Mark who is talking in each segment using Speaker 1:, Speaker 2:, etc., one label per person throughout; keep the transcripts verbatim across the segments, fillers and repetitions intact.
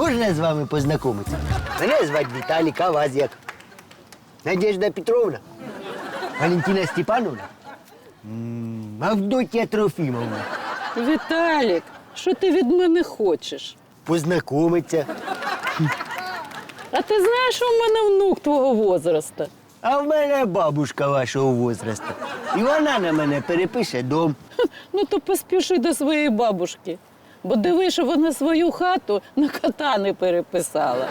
Speaker 1: Можна з вами познайомитися? Мене звати Віталік, а вас як? Надежда Петровна? Валентина Степановна? М, Авдотья Трофімовна?
Speaker 2: Віталік, що ти від мене хочеш?
Speaker 1: Познайомиться.
Speaker 2: А ти знаєш, що в мене внук твого возраста?
Speaker 1: А в мене бабушка вашого возрасту. І вона на мене перепише дом.
Speaker 2: Ну то поспіши до своєї бабушки. Бо диви, що вона свою хату на кота не переписала.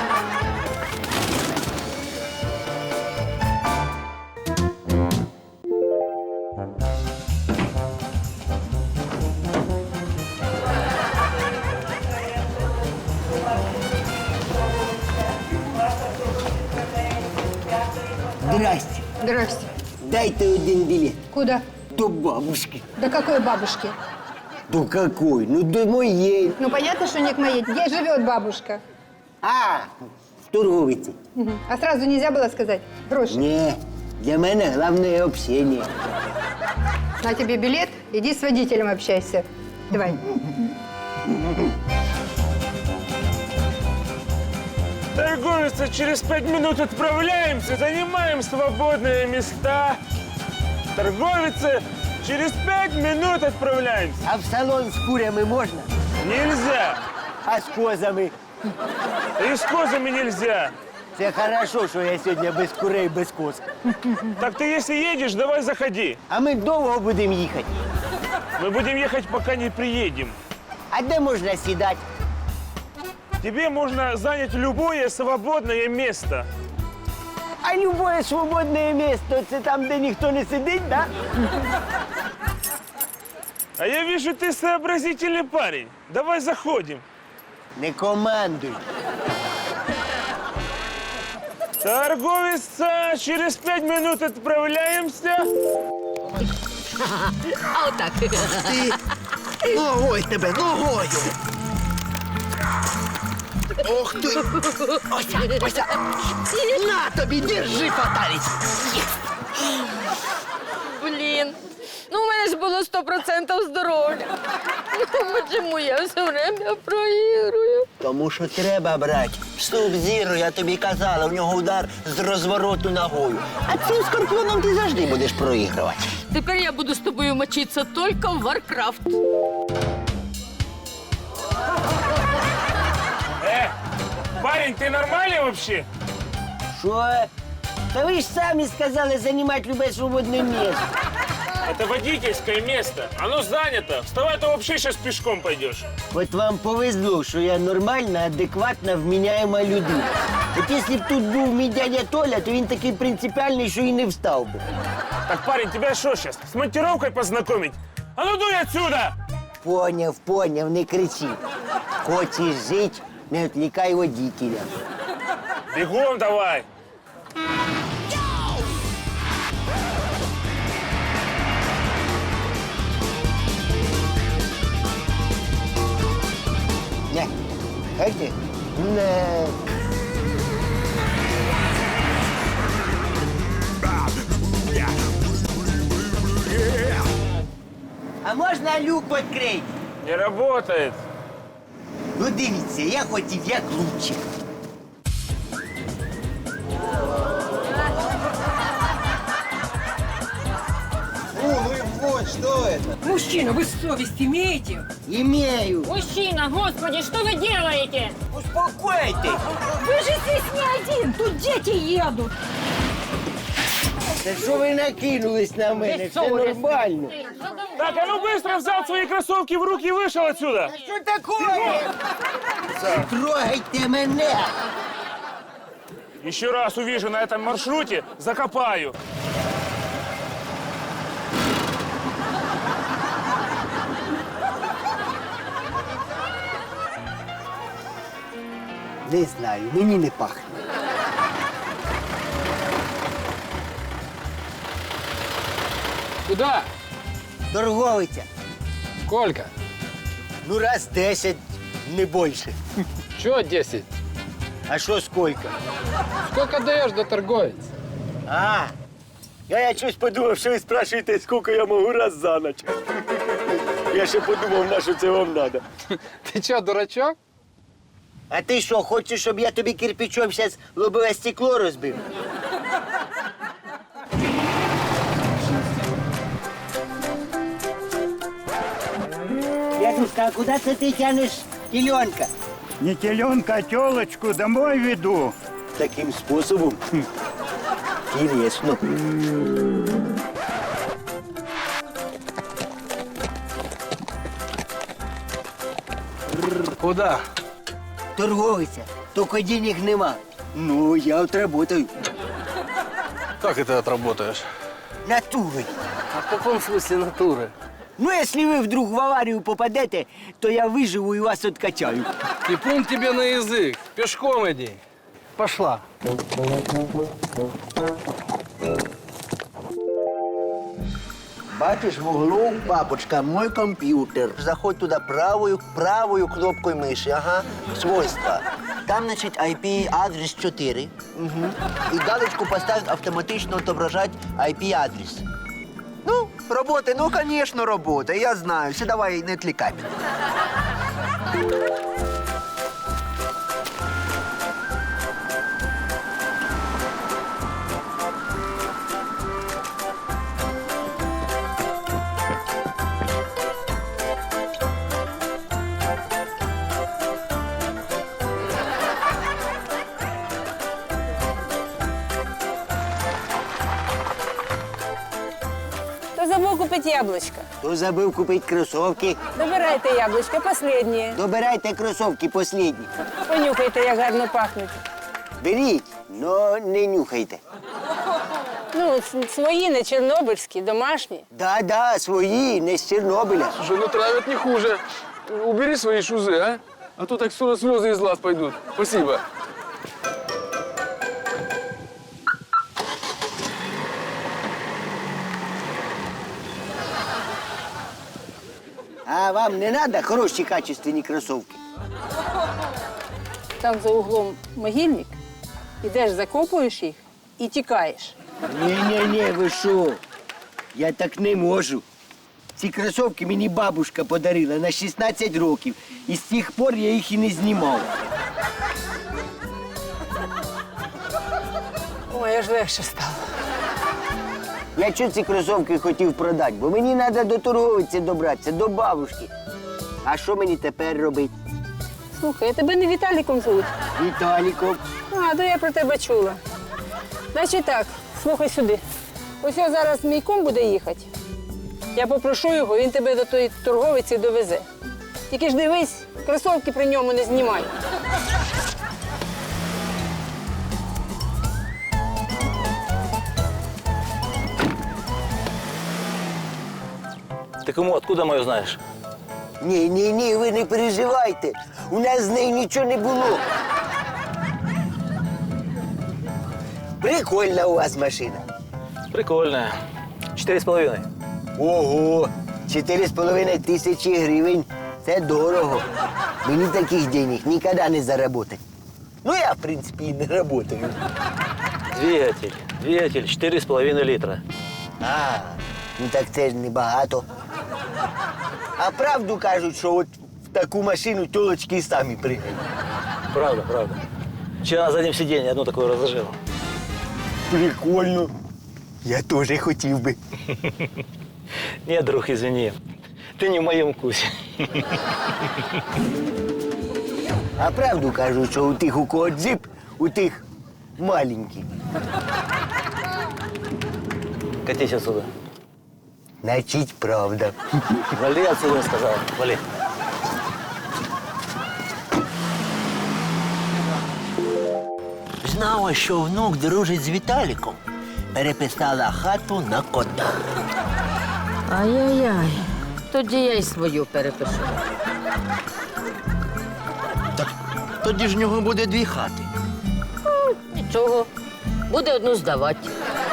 Speaker 1: Здрасте.
Speaker 3: Здрасте.
Speaker 1: Дайте один билет.
Speaker 3: Куда?
Speaker 1: До бабушки.
Speaker 3: До какой бабушки?
Speaker 1: До какой? Ну, до моей.
Speaker 3: Ну, понятно, что не к моей. Где живет бабушка?
Speaker 1: А, в торговиці.
Speaker 3: Мгм. А сразу нельзя было сказать? Гроши.
Speaker 1: Ні, для мене головне общение.
Speaker 3: На тебе билет, иди с водителем общайся. Давай.
Speaker 4: Торговица, через пять минут отправляемся, занимаем свободные места. Торговица, через пять минут отправляемся.
Speaker 1: А в салон з курями можна?
Speaker 4: Нельзя.
Speaker 1: А з козами?
Speaker 4: И с козами нельзя.
Speaker 1: Це хорошо, що я сьогодні без курей, без коз.
Speaker 4: Так ты если едешь, давай заходи.
Speaker 1: А ми довго будемо їхати.
Speaker 4: Мы будем ехать, пока не приедем.
Speaker 1: А де можна сідати?
Speaker 4: Тебе можно занять любое свободное место.
Speaker 1: А любое свободне місце – це там, де ніхто не сидить, да?
Speaker 4: А я вижу, ты сообразительный парень. Давай заходим.
Speaker 1: Не командуй.
Speaker 4: Торговица, через пять минут отправляемся.
Speaker 5: А отак.
Speaker 1: Ногой тебе, ногою! Ох ти! Ося, ося! На тобі, держи, фаталість!
Speaker 5: Блін. Ну, у мене ж було сто процентів здоров'я. Ну, чому я все время проігрую?
Speaker 1: Тому що треба брати. Суб-зіро, я тобі казала, у нього удар з розвороту ногою. А цим скорпіоном ти завжди будеш проігрувати.
Speaker 5: Тепер я буду з тобою мочитися тільки в Варкрафт.
Speaker 4: Э, парень, ты нормальный вообще?
Speaker 1: Що? Та ви ж самі сказали займати любе свободне місце.
Speaker 4: Это водительское место. Оно занято. Вставай, то вообще сейчас пешком пойдешь.
Speaker 1: От вам повезло, що я нормальна, адекватна, вміняєма людина. От якщо б тут був мій дядя Толя, то він такий принципіальний, що і не встав би.
Speaker 4: Так, парень, тебя что сейчас? С монтировкой познакомить? А ну дуй отсюда!
Speaker 1: Поняв, поняв, не кричи. Хочеш жити, не відвлікай водителя.
Speaker 4: Бегом давай!
Speaker 1: Не, хайте? Не. А можна люк відкрити?
Speaker 4: Не работает.
Speaker 1: Ну дивіться, я хотів як лучше.
Speaker 6: Мужчина, вы совесть имеете?
Speaker 1: Імею.
Speaker 7: Мужчина, господи, что вы делаете?
Speaker 1: Успокойтесь.
Speaker 6: Вы же здесь не один, тут дети едут.
Speaker 1: Та що ви накинулись на мене? Все нормально.
Speaker 4: Так, а ну быстро взял свои кроссовки в руки и вышел отсюда.
Speaker 1: Що таке? Трогайте мене.
Speaker 4: Еще раз увижу на этом маршруте, закопаю.
Speaker 1: Не знаю, мені не пахне.
Speaker 8: Куда?
Speaker 1: Торговиця.
Speaker 8: Сколько?
Speaker 1: Ну, раз десять, не більше.
Speaker 8: Чего десять?
Speaker 1: А що скільки?
Speaker 8: Сколько даешь до торговец?
Speaker 1: А, я, я щось подумав, що ви спрашуєте, скільки я можу раз за ніч. Я ще подумав, на що це вам треба.
Speaker 8: Ты что, дурачок?
Speaker 1: А ти що, хочеш, щоб я тобі кирпичом зараз лобове стекло розбив? Дядюшка, а куди це ти тянеш теленка?
Speaker 9: Не теленка, а телочку домой веду.
Speaker 1: Таким способом? Хм. Интересно.
Speaker 8: Куда?
Speaker 1: Торговиця, тільки денег нема. Ну, я отработаю.
Speaker 8: Как это отработаешь?
Speaker 1: Натурой.
Speaker 8: А в каком смысле натуры?
Speaker 1: Ну, если вы вдруг в аварию попадете, то я выживу и вас откачаю.
Speaker 8: И плюнь тебе на язык. Пешком иди. Пошла.
Speaker 1: Бачиш, в углу, бабочка, мой компьютер. Заходь туда правую, правую кнопкой мыши, ага, свойства. Там, значит, ай пи-адрес четыре. Угу. И галочку поставить автоматично отображать ай пи-адрес. Ну, робота, ну, конечно, робота, я знаю. Все, давай, не отвлекай.
Speaker 10: Кто забыл купить яблочко?
Speaker 1: Хто забив купити кросовки?
Speaker 10: Добирайте яблочко, последнее.
Speaker 1: Добирайте кросовки последні.
Speaker 10: Понюхайте, як гарно пахнуть.
Speaker 1: Беріть, но не нюхайте.
Speaker 10: Ну, с- свої, не чорнобильські, домашні.
Speaker 1: Да-да, свої, не з Чорнобиля.
Speaker 8: Слушай, ну травят не хуже. Убери свои шузы, а? А то так скоро слезы из глаз пойдут. Спасибо.
Speaker 1: А вам не треба хороші качественні кросовки?
Speaker 10: Там за углом могильник. Ідеш, закопуєш їх і тікаєш.
Speaker 1: Ні-ні-ні, ви що? Я так не можу. Ці кросовки мені бабушка подарила на шістнадцять років. І з тих пор я їх і не знімав.
Speaker 10: Ой, аж легше стало.
Speaker 1: Я чого ці кросовки хотів продати? Бо мені треба до торговиці добратися, до бабушки. А що мені тепер робити?
Speaker 10: Слухай, а тебе не Віталіком звуть?
Speaker 1: Віталіком.
Speaker 10: А, то я про тебе чула. Значить так, слухай сюди. Ось я зараз мій кум буде їхати. Я попрошу його, він тебе до тої торговиці довезе. Тільки ж дивись, кросовки при ньому не знімай.
Speaker 11: Ты кому, откуда мою знаешь?
Speaker 1: Ні, ні, ні, ви не переживайте. У нас з нею нічого не було. Прикольна у вас машина.
Speaker 11: Прикольная. Четыре с половиной.
Speaker 1: Ого, чотири з половиною тисячі гривень. Це дорого. Мені таких денег ніколи не заработать. Ну, я, в принципі, і не работаю.
Speaker 11: Двигатель. Двигатель четыре с половиной литра.
Speaker 1: А, ну так це ж небагато. А правду кажуть, що от в таку машину тілочки самі пригають.
Speaker 11: Правда, правда. Вчера на заднем сиденье одну такую разложил.
Speaker 1: Прикольно. Я теж хотів би.
Speaker 11: Нет, друг, извини. Ты не в моем вкусе.
Speaker 1: А правду кажуть, що у тих, у кого джип, у тих маленький.
Speaker 11: Катись отсюда.
Speaker 1: Значить, правда.
Speaker 11: Вали отсюда, я сказал. Вали.
Speaker 1: Знала, що внук дружить з Віталіком. Переписала хату на кота.
Speaker 5: Ай-яй-яй. Тоді я й свою перепишу.
Speaker 1: Тоді ж в нього буде дві хати.
Speaker 5: Нічого. Буде одну здавати.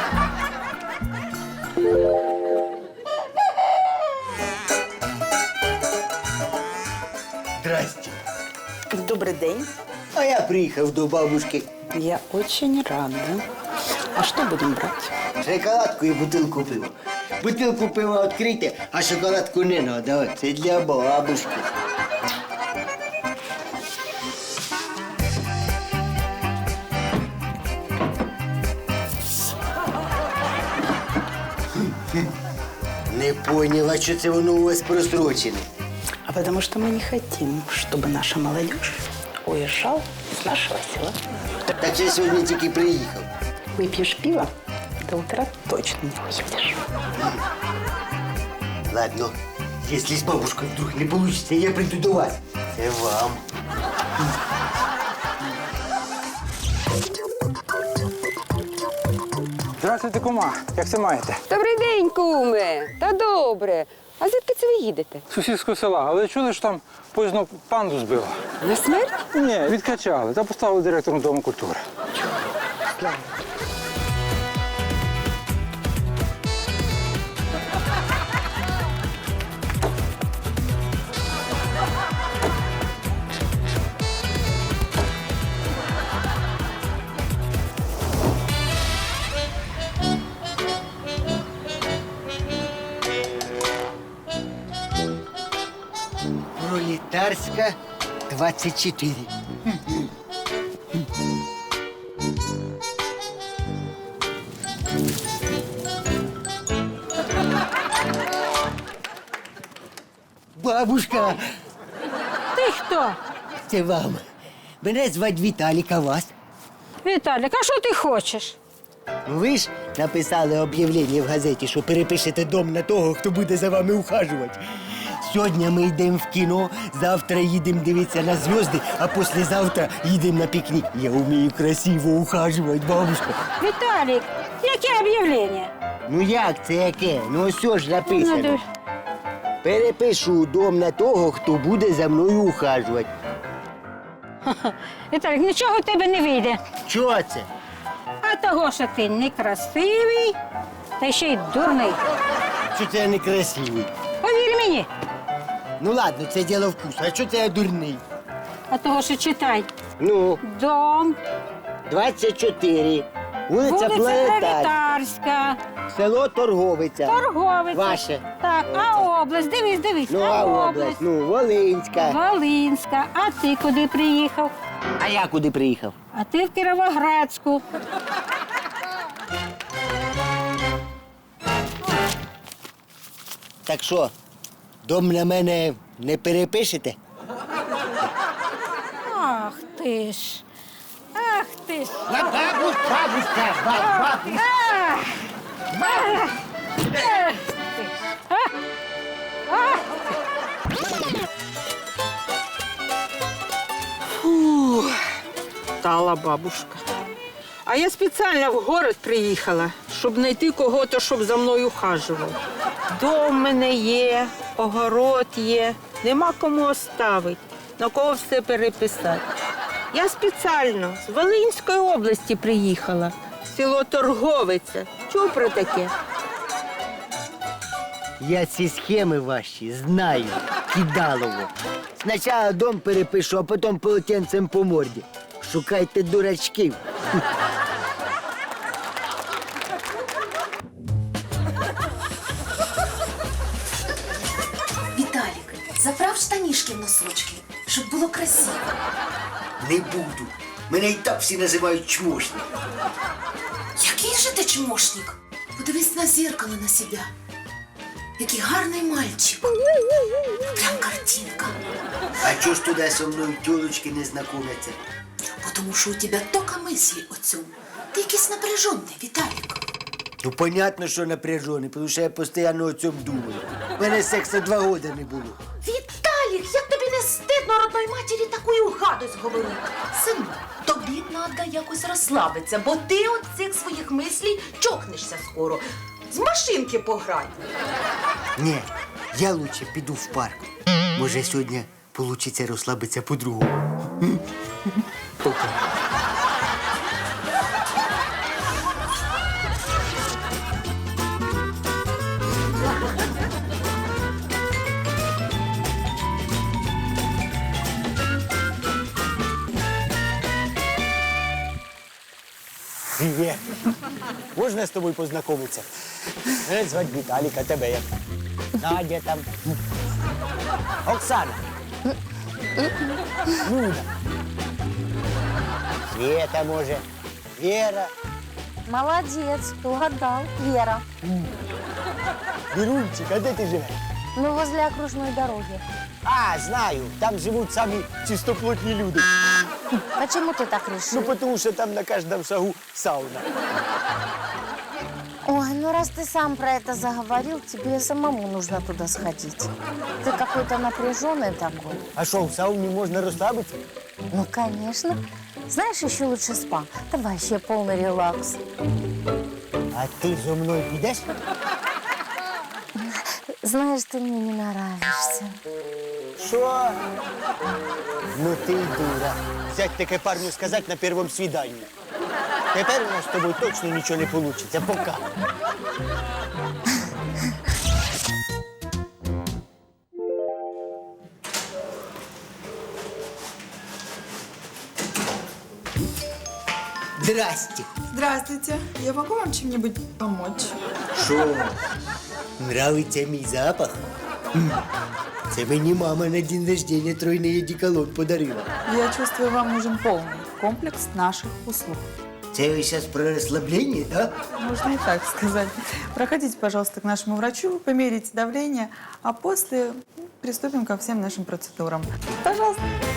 Speaker 1: Здрасте.
Speaker 2: Добрий день.
Speaker 1: А я приїхав до бабушки.
Speaker 2: Я очень рада. А что будем брать?
Speaker 1: Шоколадку і бутилку пива. Бутилку пива відкрийте, а шоколадку не треба. Це для бабушки. Не поняла, що це воно у вас просрочене.
Speaker 2: А потому что мы не хотим, чтобы наша молодежь уезжала с нашего села.
Speaker 1: Так я сьогодні тільки приїхав.
Speaker 2: Выпьешь пиво, до утра точно не уедешь.
Speaker 1: Ладно, если с бабушкой вдруг не получится, я приду до вас. Це вам.
Speaker 12: Здравствуйте, кума. Як це маєте?
Speaker 3: Добрий день, куме. Та добре. А звідки це ви їдете?
Speaker 12: З сусідського села. Але чули, що там поїзно панду збило?
Speaker 3: На смерть?
Speaker 12: Ні, відкачали та поставили директором Дому культури.
Speaker 1: Пролетарська двадцять чотири. Бабушка,
Speaker 10: Ти хто?
Speaker 1: це вам. Мене звать Віталік, а вас?
Speaker 10: Віталік, а що ти хочеш?
Speaker 1: Ви ж написали об'явлення в газеті, що перепишете дом на того, хто буде за вами ухажувати. Сьогодні ми йдемо в кіно, завтра їдемо дивитися на зв'язки, а післязавтра їдемо на пікнік. Я вмію красиво ухажувати, бабушка.
Speaker 10: Віталік, яке об'явлення?
Speaker 1: Ну як це яке? Ну ось ж написано.
Speaker 10: Надо-
Speaker 1: Перепишу дом на того, хто буде за мною ухажувати.
Speaker 10: Віталік, нічого в тебе не вийде.
Speaker 1: Чого це?
Speaker 10: А того, що ти некрасивий, та ще й дурний.
Speaker 1: Що це я некрасивий?
Speaker 10: Повір мені.
Speaker 1: Ну ладно, це діло вкусу. А що це я дурний?
Speaker 10: А того, що читай.
Speaker 1: Ну,
Speaker 10: Дом,
Speaker 1: двадцять чотири. Вулиця
Speaker 10: вулиця
Speaker 1: Планетарська.
Speaker 10: Пролетарська,
Speaker 1: Село Торговиця.
Speaker 10: Торговиця.
Speaker 1: Ваше.
Speaker 10: Так, а область, дивись, дивись.
Speaker 1: Ну, а область? Ну, Волинська.
Speaker 10: Волинська. А ти куди приїхав?
Speaker 1: А я куди приїхав?
Speaker 10: А ти в Кіровоградську.
Speaker 1: Так що, дом на мене не перепишете?
Speaker 10: Ах ти ж. Ах ти ж.
Speaker 1: Бабусь, бабуська, бабусь.
Speaker 10: Ах! Ах! Ах ти ж. А? Ах!
Speaker 2: Стала бабушка. А я спеціально в город приїхала, щоб знайти кого-то, щоб за мною ухажував. Дом в мене є, огород є, нема кому оставити, на кого все переписати. Я спеціально з Волинської області приїхала, село Торговиця. Чув про таке?
Speaker 1: Я ці схеми ваші знаю, кидалово. Спочатку дом перепишу, а потім полотенцем по морді. Шукайте дурачків.
Speaker 6: Виталик, заправ штанишки в носочки, щоб було красиво.
Speaker 1: Не буду. Мене і так всі називають чмошник.
Speaker 6: Який же ти чмошник? Подивись на зеркало на себе. Який гарний мальчик. Прям картинка.
Speaker 1: А чого ж туди зі мною тілочки не знайомляться?
Speaker 6: Бо тому що у тебе тока мислі о цьому. Ти якийсь напряжений, Віталік.
Speaker 1: Ну, понятно, що напряжений, тому що я постійно о цьому думаю. У мене сексу два роки не було.
Speaker 6: Віталік, як тобі не стидно родної матері таку гадость говорити? Сину, тобі треба якось розслабитися, бо ти от цих своїх мислій чокнешся скоро. З машинки пограй.
Speaker 1: Ні, я лучше піду в парк. Може, сьогодні вийде розслабитися по-другому. Пока.
Speaker 13: Привет. Можна з тобою познайомитися? Мене звати Віталік, а тебе як? Надя там. Оксана. Люда. Света, може. Вера.
Speaker 5: Молодец, угадал. Вера.
Speaker 13: Вірунчик, а де ти живеш?
Speaker 5: Ну, возле окружной дороги.
Speaker 13: А, знаю, там живуть самі чистоплотні люди.
Speaker 5: Почему ты так решил?
Speaker 13: Ну, тому що там на кожному шагу сауна.
Speaker 5: Ой, ну раз ты сам про это заговорил, тебе самому нужно туда сходить. Ты какой-то напряженный такой.
Speaker 13: А що, в сауні можна розслабитися?
Speaker 5: Ну, конечно. Знаешь, еще лучше спа. Там вообще полный релакс.
Speaker 13: А ти зо мною підеш?
Speaker 5: Знаешь, ты мне не нравишься.
Speaker 13: Що? Ну ти й дура. Взять таке парню сказати на першому свіданні. Тепер у нас з тобою точно нічого не вийде. Пока. Здрасте.
Speaker 14: Здравствуйте. Я могу вам чем-нибудь помочь?
Speaker 13: Що? Нравиться мій запах? М. Це мені мама на день рождения тройний одеколон подарила.
Speaker 14: Я чувствую, вам нужен полный комплекс наших услуг.
Speaker 13: Це ви зараз про розслаблення, да?
Speaker 14: Можно и так сказать. Проходите, пожалуйста, к нашему врачу, померите давление, а после приступим ко всем нашим процедурам. Пожалуйста.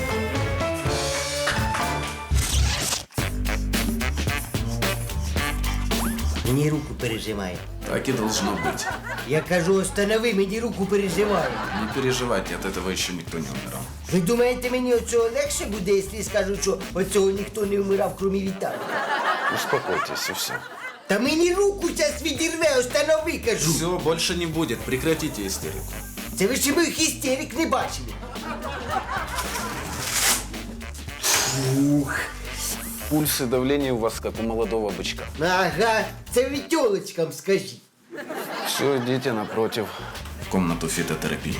Speaker 13: Мені руку пережимає.
Speaker 15: Так и должно быть.
Speaker 13: Я кажу, останови, мені руку пережимає.
Speaker 15: Не переживайте, от этого еще никто не умирал.
Speaker 13: Ви думаєте, мені оцього легше буде, якщо скажу, що оцього ніхто не вмирав, крім Віталія?
Speaker 15: Успокойтесь, и все.
Speaker 13: Та мені руку зараз відірве, останови, кажу.
Speaker 15: Все, больше не будет. Прекратите истерику.
Speaker 13: Це ви ще моїх істерик не бачили. Ух.
Speaker 15: Пульс и давление у вас как у молодого бычка.
Speaker 13: Ага, це ви тьолочкам скажіть.
Speaker 15: Все, идите напротив. В комнату фитотерапии.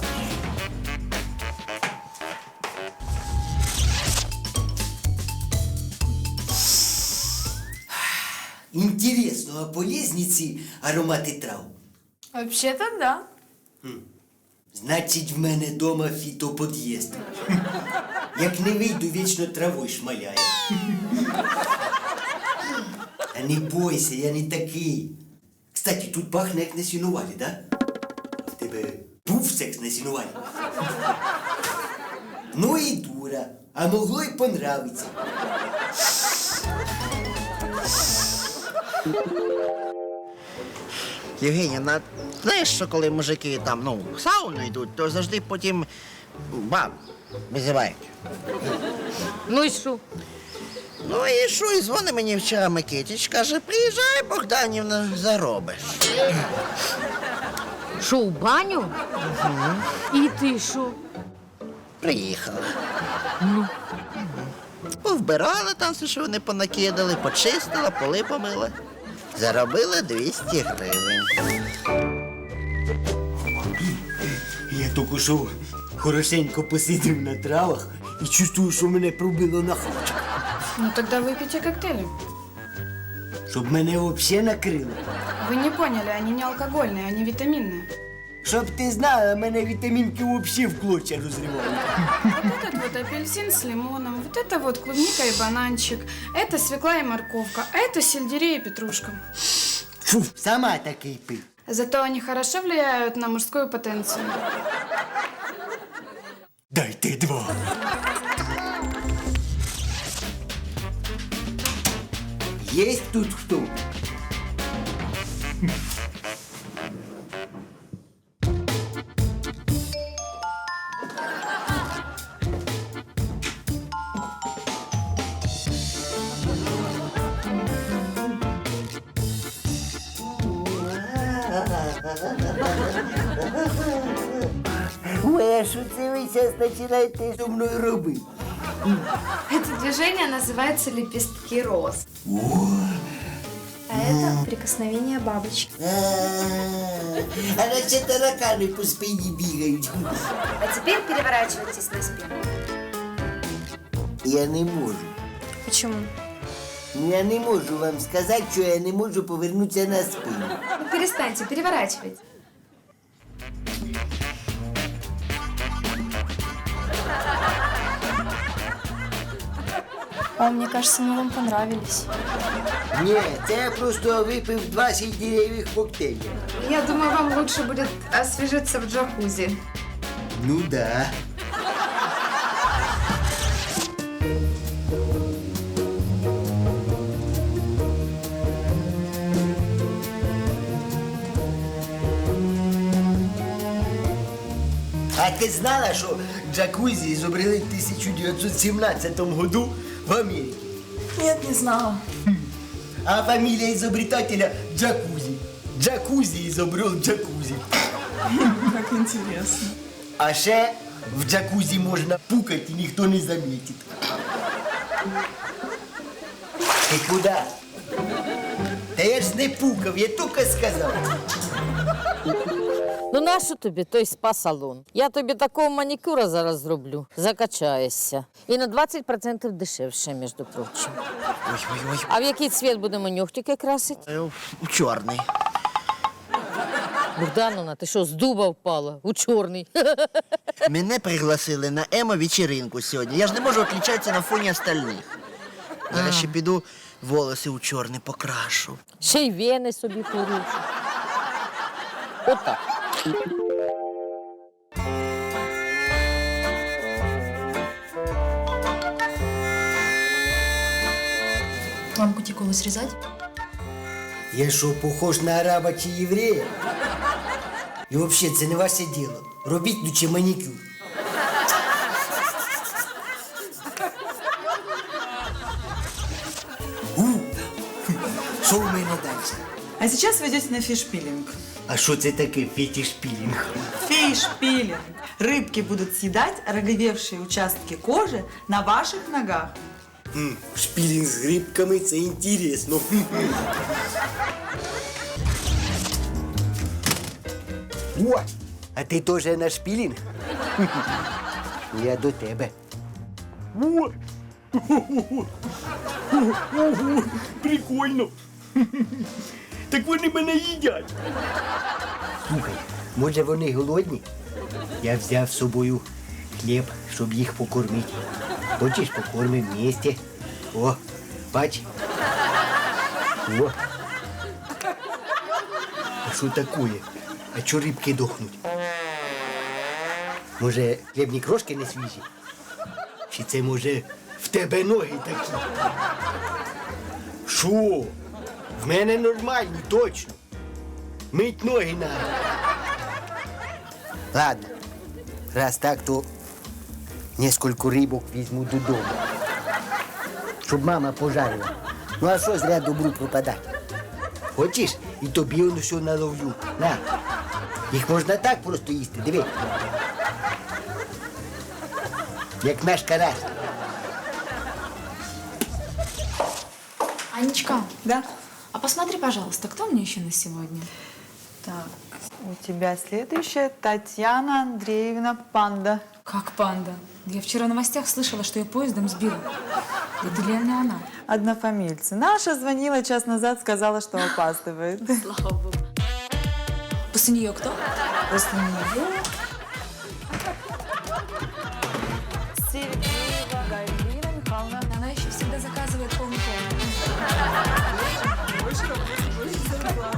Speaker 13: Інтересно, а полезні ці аромати трав?
Speaker 14: Вообще-то да.
Speaker 13: Значить, в мене дома фітопод'їзд. Як не вийду, вічно травою шмаляє. А не бойся, я не такий. Кстати, тут пахне як на сінувалі, да? В тебе був секс на сінувалі? Ну і дура, а могло й понравиться.
Speaker 1: Євгенія, знаєш, що коли мужики там, ну, в сауну йдуть, то завжди потім баб визивають.
Speaker 5: Ну и что?
Speaker 1: Ну і що, і дзвонить мені вчора Микитич, каже, приїжджай, Богданівна, заробиш.
Speaker 5: Шо, в баню? И ты шо?
Speaker 1: Приїхала. Повбирала там все, що вони понакидали, почистила, поли помила. Заробила двісті гривень.
Speaker 13: Я тільки що хорошенько посидів на травах і чувствую, що мене пробило на хавчик.
Speaker 14: Ну тогда выпейте коктейли.
Speaker 13: Щоб мене взагалі накрило.
Speaker 14: Вы не поняли, они не алкогольные, они витаминные.
Speaker 13: Щоб ти знала, мене вітамінки взагалі в клочья розривають.
Speaker 14: Вот этот вот апельсин с лимоном, вот это вот клубника и бананчик, это свекла и морковка, а это сельдерей и петрушка.
Speaker 13: Фу, сама такий пив.
Speaker 14: Зато они хорошо влияют на мужскую потенцию.
Speaker 13: Дайте два. Есть тут кто? Ой, а що це ви зараз починаєте зі мною робити?
Speaker 16: Это движение называется лепестки роз. А это прикосновение бабочки.
Speaker 13: А наче таракани по спині бігають.
Speaker 16: А теперь переворачивайтесь на спину.
Speaker 13: Я не можу.
Speaker 16: Почему?
Speaker 13: Я не можу вам сказати, що я не можу повернутися на спину.
Speaker 16: Ну перестаньте, переворачивайте. О, мне кажется, мы вам понравились.
Speaker 13: Ні, це я просто випив двадцять дерев'яних коктейлів.
Speaker 16: Я думаю, вам лучше будет освежиться в джакузи.
Speaker 13: Ну да. А ти знала, що джакузі изобрели в тисяча дев'ятсот сімнадцятому году в Америке?
Speaker 14: Нет, не знала.
Speaker 13: А фамилия изобретателя Джакузи. Джакузи изобрел джакузи.
Speaker 14: Как интересно.
Speaker 13: А ще в джакузі можна пукати і ніхто не замітить. Ти куди? Та я ж не пукав, я тільки сказав.
Speaker 5: Ну нащо тобі той спа-салон? Я тобі такого манікюра зараз зроблю. Закачаєшся. І на двадцять відсотків дешевше, між прочим.
Speaker 1: Ой-ой-ой.
Speaker 5: А в який цвіт будемо нюхтики красити?
Speaker 1: У чорний.
Speaker 5: Богдановна, ти що, з дуба впала? У чорний.
Speaker 1: Мене пригласили на емо-вечеринку сьогодні. Я ж не можу відлічатися на фоні остальних. Зараз ще піду волоси у чорний покрашу.
Speaker 5: Ще й вени собі порушу. Отак.
Speaker 6: Вам кутикулу срезать?
Speaker 13: Я що, похож на араба чи єврея? І взагалі, це не ваше діло. Робіть лучше манікюр. У, що в мене далі?
Speaker 14: А сейчас вы идете на фиш-пилинг.
Speaker 13: А що це таке фетиш-пілінг?
Speaker 14: Фиш-пилинг. Рыбки будут съедать роговевшие участки кожи на ваших ногах.
Speaker 13: М, шпілінг з грибками – це інтересно. О, а ти теж на шпілінг? Я до тебе. О, ого, прикольно. Так вони мене їдять. Слухай, може вони голодні? Я взяв з собою хліб, щоб їх покормити. Хочеш, покормимо вместе? О, бач. О. А що таке? А чо рибки дохнуть? Може, хлібні крошки не свіжі? Чи це, може, в тебе ноги такі? Що? В мене нормальні, точно. Мить ноги надо. Ладно, раз так, то несколько рибок візьму додому. Щоб мама пожарила. Ну а що зря добру пропадати? Хочеш? І тобі воно все наловлю. На. Їх можна так просто їсти, диви. Як наш карась.
Speaker 6: Анечка.
Speaker 14: Да?
Speaker 6: А посмотри, пожалуйста, кто мне еще на сегодня?
Speaker 14: Так, у тебя следующая Татьяна Андреевна Панда.
Speaker 6: Как панда? Я вчера в новостях слышала, что ее поездом сбила. Это реально она.
Speaker 14: Однофамильцы. Наша звонила час назад, сказала, что опаздывает.
Speaker 6: Слава богу. После нее кто?
Speaker 14: После нее... Сергеева Галина Михайловна.
Speaker 6: Она еще всегда заказывает полный полный.
Speaker 14: Больше работы, больше зарплаты.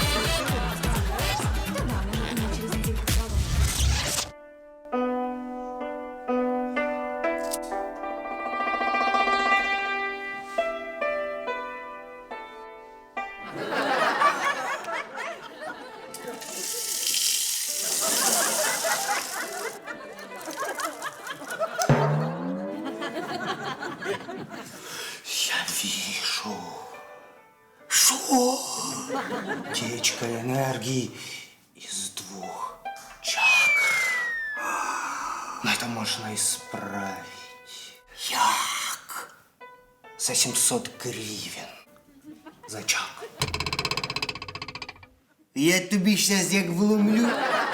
Speaker 13: Я вижу. Что? Течка энергии из двух чакр. Но это можно исправить. Як? За семьсот гривен. За чакру. Я тобі сейчас як вломлю.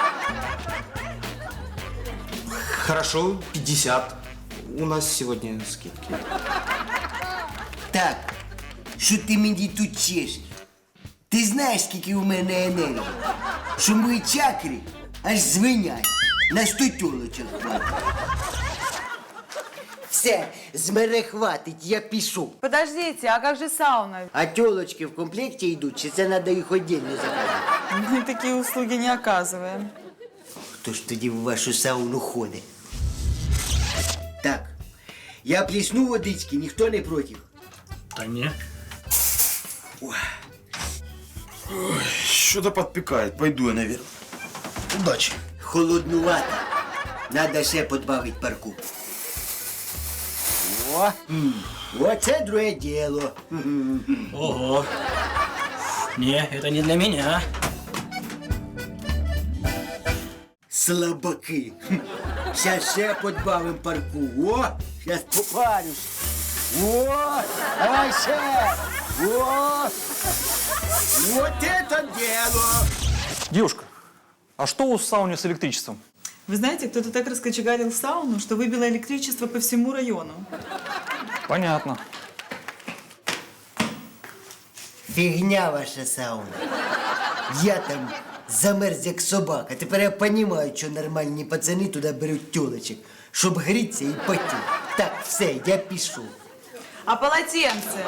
Speaker 15: Хорошо, пятьдесят. У нас сегодня скидки.
Speaker 13: Так, що ти мені тут чешеш? Ти знаєш, скільки у мене енергії? Що мої чакри аж звенять. На сто тілочок хватить. Все, з мене хватить, я пішов.
Speaker 14: Подождите, а как же сауна?
Speaker 13: А тілочки в комплекті йдуть, чи це треба їх віддільно заказати?
Speaker 14: Мы такие услуги не оказываем.
Speaker 13: Хто ж тоді в вашу сауну ходить? Так, я плесну водички, ніхто не проти.
Speaker 11: Та ні.
Speaker 15: Что-то подпекает. Пойду я наверх. Удачи.
Speaker 13: Холоднувато. Надо ще подбавити парку. О, м, оце друге діло.
Speaker 11: Ого. Не, это не для меня.
Speaker 13: Слабаки. Щас ще подбавим парку. О, щас попарюсь. О, давай ще. О, вот это дело.
Speaker 12: Девушка, а что у сауны с электричеством?
Speaker 14: Вы знаете, кто-то так раскочегарил сауну, что выбило электричество по всему району.
Speaker 12: Понятно.
Speaker 13: Фігня ваша сауна. Я там замерз як собака. Тепер я розумію, що нормальні пацани туди беруть тюлечок, щоб грітися і потіти. Так, все, я пішов.
Speaker 14: А полотенце?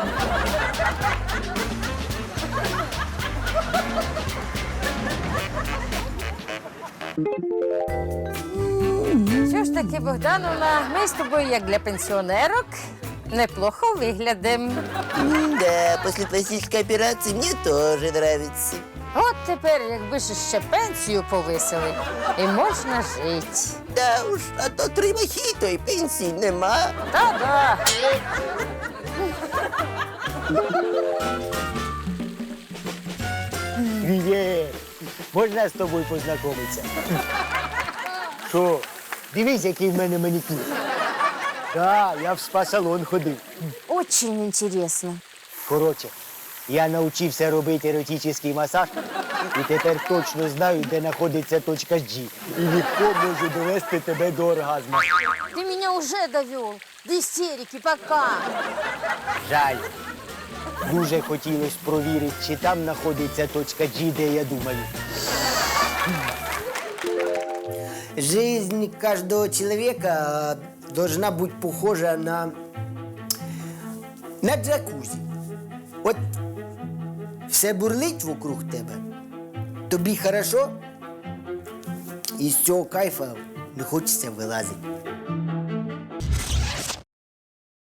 Speaker 5: Що ж таки, Богдановна, ми з тобою, як для пенсіонерок, неплохо виглядимо.
Speaker 1: Да, после пластической операции мне тоже нравится.
Speaker 5: От тепер, якби ж ще пенсію повисили, і можна жити.
Speaker 1: Да уж, а то три махи, то й пенсії нема.
Speaker 5: Та-да.
Speaker 13: Привіт! Можна з тобою познайомитися? Що? Дивись, який в мене манікюр. Так, я в спа-салон ходив.
Speaker 5: Очень інтересно.
Speaker 13: Коротше, я навчився робити еротичний масаж і тепер точно знаю, де знаходиться точка G. І легко можу довести тебе до оргазму.
Speaker 5: Ти мене вже довел. До істерики, пока.
Speaker 13: Жаль. Дуже хотілося провірити, чи там знаходиться точка G, де я думаю. Жизнь каждого человека должна быть похожа на, на джакузі. От все бурлить вокруг тебе, тобі хорошо, і з цього кайфа не хочеться вилазити.